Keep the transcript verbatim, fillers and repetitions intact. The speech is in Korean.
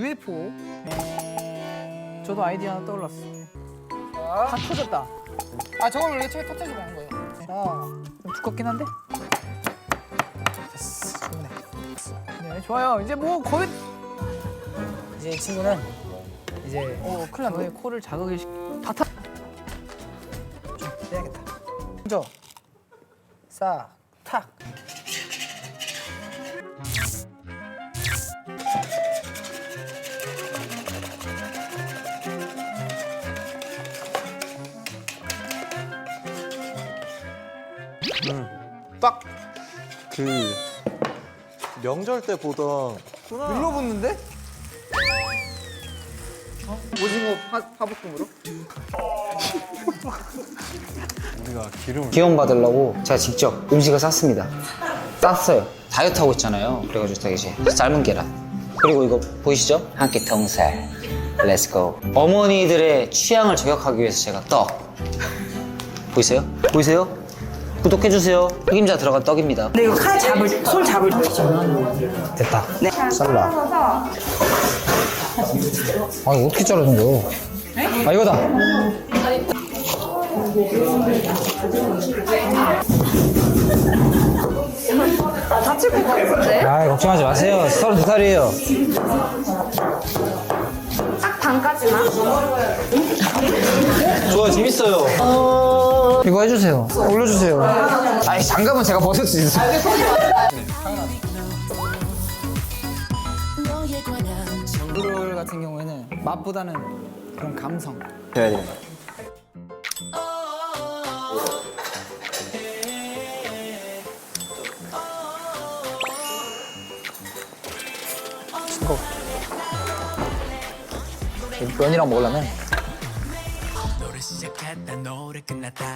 유에프오. 저도 아이디어 하나 떠올랐어. 다 터졌다. 아 저걸 원래 처음에 터트려서 먹는 거예요. 어, 좀 두껍긴 한데? 됐어, 충분해. 네, 좋아요. 이제 뭐 거의 이제 이 친구는 이제 어 큰일 났네. 너의 코를 자극을 시... 다 타... 좀 빼야겠다. 먼저 싹, 탁. 딱 그 명절 때 보던 눌러붙는데? 오징어 파, 파볶음으로? 우리가 기름을 기원 받으려고 제가 직접 음식을 쌌습니다. 쌌어요. 다이어트 하고 있잖아요. 그래가지고 되게 이제 삶은 계란. 그리고 이거 보이시죠? 한 끼 통살. 렛츠고. 어머니들의 취향을 저격하기 위해서 제가 떡. 보이세요? 보이세요? 구독해주세요. 책임자 들어간 떡입니다. 근데 이거 칼 잡을, 손 잡을 때. 됐다. 네. 쌀라. 아 이거 어떻게 자르는 거야? 아 이거다. 아, 다칠 것 같은데? 아 걱정하지 마세요. 서른두 살이에요. 딱 반까지만. 좋아 재밌어요. 이거 해주세요. 올려주세요. 아니 장갑은 제가 벗을 수 있어요. 브롤 같은 경우에는 맛보다는 그런 감성. 돼야 돼요. 이거 면이랑 먹으려면